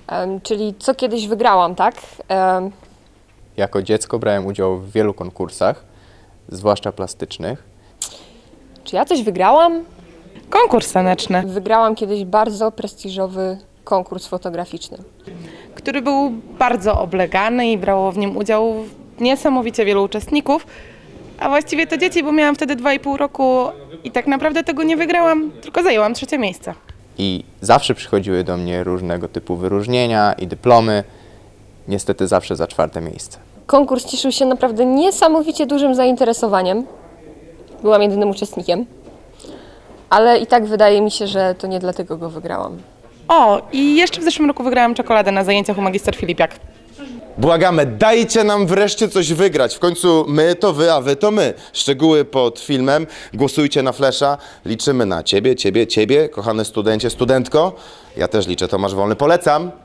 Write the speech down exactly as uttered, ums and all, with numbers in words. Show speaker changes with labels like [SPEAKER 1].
[SPEAKER 1] Em, czyli co kiedyś wygrałam, tak? Em,
[SPEAKER 2] Jako dziecko brałem udział w wielu konkursach, zwłaszcza plastycznych.
[SPEAKER 1] czy ja coś wygrałam?
[SPEAKER 3] Konkurs taneczny,
[SPEAKER 1] Wygrałam kiedyś bardzo prestiżowy konkurs fotograficzny.
[SPEAKER 3] który był bardzo oblegany i brało w nim udział niesamowicie wielu uczestników, a właściwie to dzieci, bo miałam wtedy dwa i pół roku i tak naprawdę tego nie wygrałam, tylko zajęłam trzecie miejsce.
[SPEAKER 2] I zawsze przychodziły do mnie różnego typu wyróżnienia i dyplomy. Niestety zawsze za czwarte miejsce.
[SPEAKER 1] Konkurs cieszył się naprawdę niesamowicie dużym zainteresowaniem. Byłam jedynym uczestnikiem. Ale i tak wydaje mi się, że to nie dlatego go wygrałam.
[SPEAKER 3] O, i jeszcze w zeszłym roku wygrałam czekoladę na zajęciach u magister Filipiak.
[SPEAKER 4] Błagamy, dajcie nam wreszcie coś wygrać. W końcu my to wy, a wy to my. Szczegóły pod filmem. Głosujcie na Flesza. Liczymy na ciebie, ciebie, ciebie, kochany studencie, studentko. Ja też liczę, Tomasz Wolny. Polecam.